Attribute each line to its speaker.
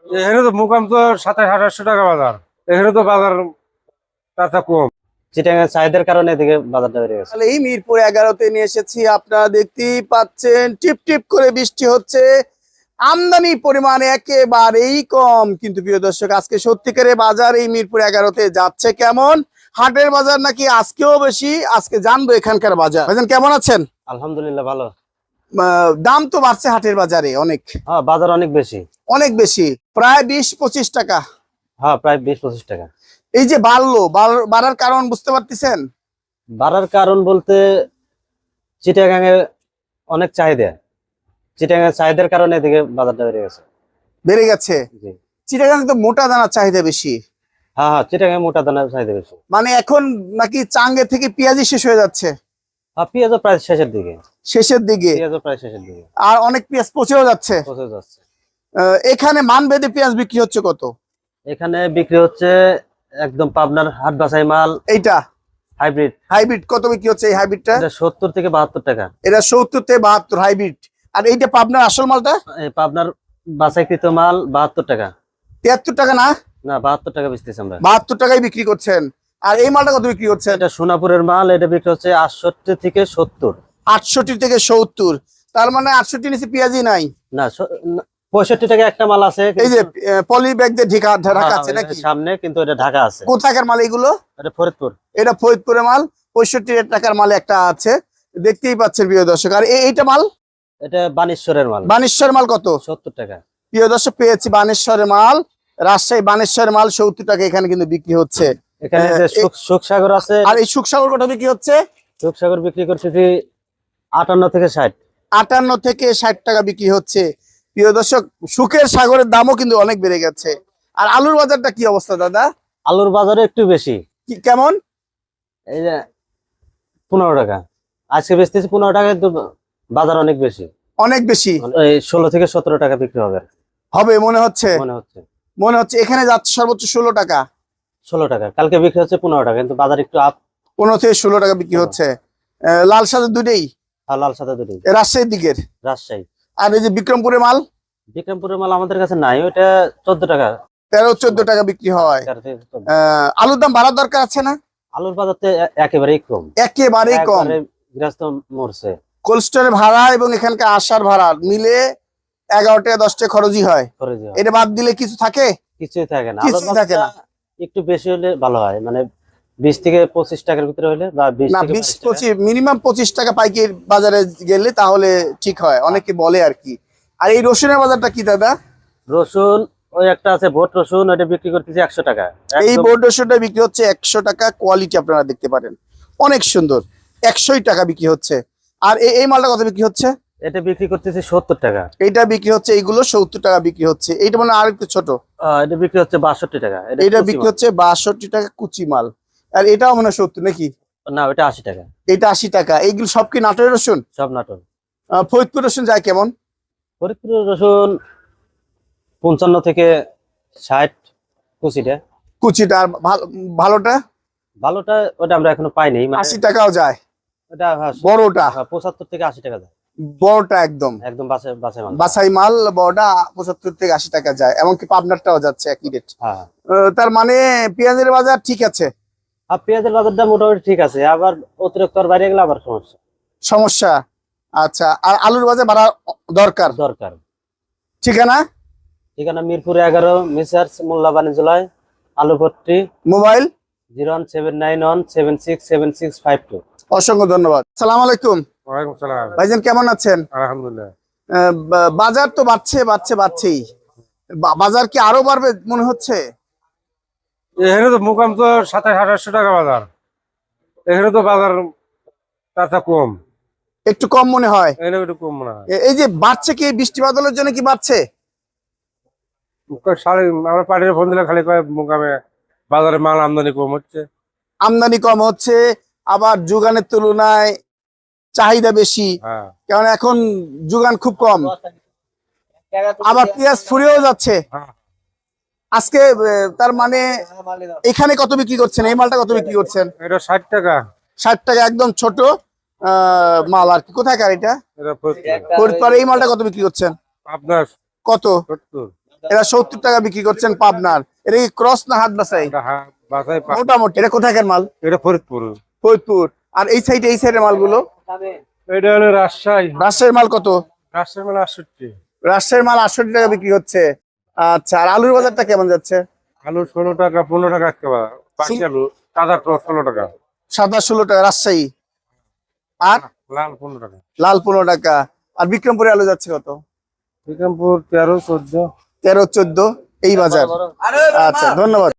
Speaker 1: এখানে তো মুকাম তো 2700-2800 টাকা বাজার। এখানে তো বাজার তার কম।
Speaker 2: চিটাগাং চাহিদার কারণে এদিকে বাজারটা বেড়ে গেছে।
Speaker 3: তাহলে এই মিরপুর 11-তে নিয়ে এসেছি, আপনারা দেখতেই পাচ্ছেন টিপ টিপ করে বৃষ্টি হচ্ছে। আমদানি পরিমাণ একেবারেই কম, কিন্তু প্রিয় দর্শক আজকে সত্যিকারের বাজার এই মিরপুর 11-তে যাচ্ছে কেমন? হাটের বাজার নাকি আজকেও বেশি? আজকে জানবো এখানকার বাজার। ভাইজান কেমন আছেন?
Speaker 2: আলহামদুলিল্লাহ ভালো।
Speaker 3: দাম তো বাড়ছে হাটের বাজারে অনেক,
Speaker 2: হ্যাঁ বাজার অনেক বেশি।
Speaker 3: অনেক বেশি, প্রায় 20-25 টাকা।
Speaker 2: হ্যাঁ প্রায় 20-25 টাকা।
Speaker 3: এই যে বাড়ার কারণ বুঝতে পারতেছেন?
Speaker 2: বাড়ার কারণ বলতে চিটাগাং এ অনেক চাহিদা, চিটাগাং চাহিদার কারণে এদিকে বাজারটা বেড়ে গেছে।
Speaker 3: বেড়ে গেছে।
Speaker 2: জি।
Speaker 3: চিটাগাং তো মোটা দানার চাহিদা বেশি।
Speaker 2: হ্যাঁ হ্যাঁ চিটাগাং মোটা দানার চাহিদা বেশি।
Speaker 3: মানে এখন নাকি চাঙ্গে থেকে পেঁয়াজি শেষ হয়ে যাচ্ছে।
Speaker 2: হ্যাঁ পেঁয়াজও প্রায় শেষের দিকে।
Speaker 3: শেষের দিকে
Speaker 2: পেঁয়াজও প্রায় শেষের দিকে।
Speaker 3: আর অনেক পেঁয়াজ পচেও যাচ্ছে।
Speaker 2: পচে যাচ্ছে।
Speaker 3: এখানে মানভেদে পেঁয়াজ বিক্রি হচ্ছে কত?
Speaker 2: এখানে বিক্রি হচ্ছে একদম পাবনার হাট বাছাই মাল।
Speaker 3: এইটা
Speaker 2: হাইব্রিড।
Speaker 3: হাইব্রিড কত বিক্রি হচ্ছে এই হাইব্রিডটা?
Speaker 2: এটা 70 থেকে 72 টাকা।
Speaker 3: এটা 70 থেকে 72 হাইব্রিড। আর এইটা পাবনার আসল মালটা?
Speaker 2: এই পাবনার বাছাইকৃত মাল 72 টাকা।
Speaker 3: 73 টাকা না?
Speaker 2: না 72 টাকা বেচতেছি আমরা।
Speaker 3: 72 টাকায় বিক্রি করছেন। আর এই মালটা কত বিক্রি করছেন?
Speaker 2: এটা সোনাপুরের মাল, এটা বিক্রি হচ্ছে 68 থেকে 70।
Speaker 3: 68 থেকে 70। তার মানে 68 নিচে পেঁয়াজই নাই।
Speaker 2: না 65 টাকা একটা মাল আছে।
Speaker 3: এই যে পলি ব্যাগ দিয়ে ঢাকা আছে নাকি
Speaker 2: সামনে, কিন্তু এটা ঢাকা আছে।
Speaker 3: কোথাকার মাল এগুলো?
Speaker 2: এটা ফরিদপুর।
Speaker 3: এটা ফরিদপুরের মাল। 65 টাকার মাল একটা আছে, দেখতেই পাচ্ছেন প্রিয় দর্শক। আর এইটা মাল?
Speaker 2: এটা বানেশ্বরের মাল।
Speaker 3: বানেশ্বর মাল কত?
Speaker 2: 70 টাকা।
Speaker 3: প্রিয় দর্শক পেয়েছি বানেশ্বরের মাল, রাজশাহী বানেশ্বরের মাল 70 টাকা এখানে কিন্তু বিক্রি হচ্ছে।
Speaker 2: এখানে যে সুখসাগর আছে।
Speaker 3: আর এই সুখসাগর কত বিক্রি হচ্ছে?
Speaker 2: সুখসাগর বিক্রি করছে 58 থেকে 60।
Speaker 3: 58 থেকে 60 টাকা বিক্রি হচ্ছে। প্রিয় দর্শক সুখের সাগরের দামও কিন্তু অনেক বেড়ে গেছে। আর আলুর বাজারটা কি অবস্থা দাদা?
Speaker 2: আলুর বাজারে একটু বেশি।
Speaker 3: কেমন?
Speaker 2: এই যে 15 টাকা আজকে বেচতেছি 15 টাকা, কিন্তু বাজার অনেক বেশি।
Speaker 3: অনেক বেশি।
Speaker 2: এই 16 থেকে 17 টাকা বিক্রি হবে
Speaker 3: মনে হচ্ছে। মনে হচ্ছে এখানে যাচ্ছে সর্বোচ্চ 16 টাকা।
Speaker 2: 16 টাকা কালকে বিক্রি হচ্ছে 15 টাকা, কিন্তু বাজার একটু আপ।
Speaker 3: 15 থেকে 16 টাকা বিক্রি হচ্ছে। লাল সাদা দুটেই?
Speaker 2: লাল সাদা দুটোই।
Speaker 3: রাজশাহীর দিকের?
Speaker 2: রাজশাহী।
Speaker 3: আর এই যে বিক্রমপুরের মাল?
Speaker 2: বিক্রমপুরের মাল আমাদের কাছে নাই, ওইটা 14 টাকা।
Speaker 3: 13-14 টাকা বিক্রি হয়। আলুর দাম বাড়ার দরকার আছে না?
Speaker 2: আলুর বাজার তো একেবারেই কম।
Speaker 3: একেবারেই কম।
Speaker 2: গৃহস্থ মরছে।
Speaker 3: কোল্ড স্টোরের ভাড়া এবং এখানকার আসার ভাড়া মিলে 11 টাকা 10 টাকা খরচই হয়। এটা বাদ দিলে কিছু থাকে?
Speaker 2: কিছুই থাকে না।
Speaker 3: কিছুই থাকে না।
Speaker 2: একটু বেশি হলে ভালো হয়, মানে 20 থেকে 25 টাকার ভিতরে হলে, বা 20
Speaker 3: না
Speaker 2: থেকে
Speaker 3: 20-25 মিনিমাম 25 টাকা পাইকারি বাজারে গেলে তাহলে ঠিক হয়, অনেকে বলে আর কি। আর এই রসুনের বাজারটা কি দাদা?
Speaker 2: রসুন ওই একটা আছে ভোট রসুন, ওটা বিক্রি করতেছি 100 টাকা।
Speaker 3: এই বোর্ড রসুনটা বিক্রি হচ্ছে 100 টাকা। কোয়ালিটি আপনারা দেখতে পারেন অনেক সুন্দর, 100 টাকা বিক্রি হচ্ছে। আর এই মালটা কত বিক্রি হচ্ছে?
Speaker 2: এটা বিক্রি করতেছি 70 টাকা।
Speaker 3: এইটা বিক্রি হচ্ছে, এইগুলো 70 টাকা বিক্রি হচ্ছে। এইটা মানে আর একটু ছোট।
Speaker 2: এটা বিক্রি হচ্ছে 62 টাকা।
Speaker 3: এটা বিক্রি হচ্ছে 62 টাকা কুচি মাল। আর এটাও মনে হয় 70 নাকি?
Speaker 2: না ওটা 80 টাকা।
Speaker 3: এটা 80 টাকা। এইগুলো সব কি নাটোরের রসুন?
Speaker 2: সব নাটোর।
Speaker 3: ফরিদপুর রসুন যায় কেমন?
Speaker 2: ফরিদপুর রসুন 55 থেকে 60 কুচিটা।
Speaker 3: কুচিটা। আর ভালোটা?
Speaker 2: ভালোটা ওটা আমরা এখনো পাইনি।
Speaker 3: 80 টাকাও যায়।
Speaker 2: ওটা
Speaker 3: বড়টা
Speaker 2: 75 থেকে 80 টাকা যায়।
Speaker 3: বড়টা একদম
Speaker 2: একদম
Speaker 3: বাছাই মাল বড়টা 75 থেকে 80 টাকা যায়। এমনকি পাবনারটাও যাচ্ছে একই রেট।
Speaker 2: হ্যাঁ।
Speaker 3: তার মানে পেঁয়াজের বাজার ঠিক আছে?
Speaker 2: আর পেঁয়াজের বাজারটা মোটামুটি ঠিক আছে, আবার অতিরিক্ত বাইরে গেলে আবার
Speaker 3: সমস্যা। আচ্ছা, আর আলুর বাজার বাড়া দরকার। ঠিকানা?
Speaker 2: ঠিকানা মিরপুর 11, মেসার্স মোল্লা বাণিজ্যালয়, আলুপট্টি।
Speaker 3: মোবাইল
Speaker 2: 01917676752।
Speaker 3: অসংখ্য ধন্যবাদ। আসসালামু আলাইকুম।
Speaker 1: ওয়ালাইকুম সালাম।
Speaker 3: ভাইজান কেমন আছেন?
Speaker 1: আলহামদুলিল্লাহ।
Speaker 3: বাজার তো বাড়ছেই। বাজার কি আরো বাড়বে মনে হচ্ছে?
Speaker 1: এখানে তো মুকাম তো 2700-2800 টাকা বাজার। এখানে তো বাজার তার কম।
Speaker 3: একটু কম মনে হয়।
Speaker 1: এখানে একটু কম মনে হয়।
Speaker 3: এই যে বাড়ছে কি বৃষ্টি বাদলের জন্য কি বাড়ছে?
Speaker 1: আমরা পার্টির ফোন দিলে খালি কয় মুকামে বাজারে মাল আমদানি কম হচ্ছে।
Speaker 3: আমদানি কম হচ্ছে, আবার যোগানের তুলনায় চাহিদা বেশি। কারণ এখন যোগান খুব কম। আবার পেঁয়াজ ফুরিয়েও যাচ্ছে আজকে। তার মানে এখানে কত বিক্রি করছেন? এই মালটা কত বিক্রি করছেন?
Speaker 1: এটা 60 টাকা।
Speaker 3: 60 টাকা একদম ছোট মাল আর কি। কোথাকার এটা? ফরিদপুর। এই মালটা কত বিক্রি করছেন?
Speaker 1: আপনার
Speaker 3: কত? এটা 70 টাকা বিক্রি করছেন পাবনার। এটা কি ক্রস না হাত বাছাই?
Speaker 1: এটা বাসায়
Speaker 3: মোটামুটি এটা কোথাকার মাল?
Speaker 1: এটা ফরিদপুর।
Speaker 3: ফরিদপুর। আর এই সাইডের মালগুলো?
Speaker 1: এটা হলো রাজশাহী।
Speaker 3: রাজশাহীর মাল কত?
Speaker 1: রাজশাহী মানে 68।
Speaker 3: রাজশাহীর মাল 68 টাকা বিক্রি হচ্ছে। আচ্ছা, আর আলুর বাজারটা কেমন যাচ্ছে?
Speaker 1: আলু 16 টাকা 15 টাকা একেবারে পাখি আলু তাজা তো 16 টাকা।
Speaker 3: সাদা 16 টাকা রাজশাহী। আর
Speaker 1: লাল 15 টাকা।
Speaker 3: লাল 15 টাকা। আর বিক্রমপুরে আলু যাচ্ছে কত?
Speaker 1: বিক্রমপুর 13 14।
Speaker 3: 13 14 এই বাজার। আচ্ছা, ধন্যবাদ।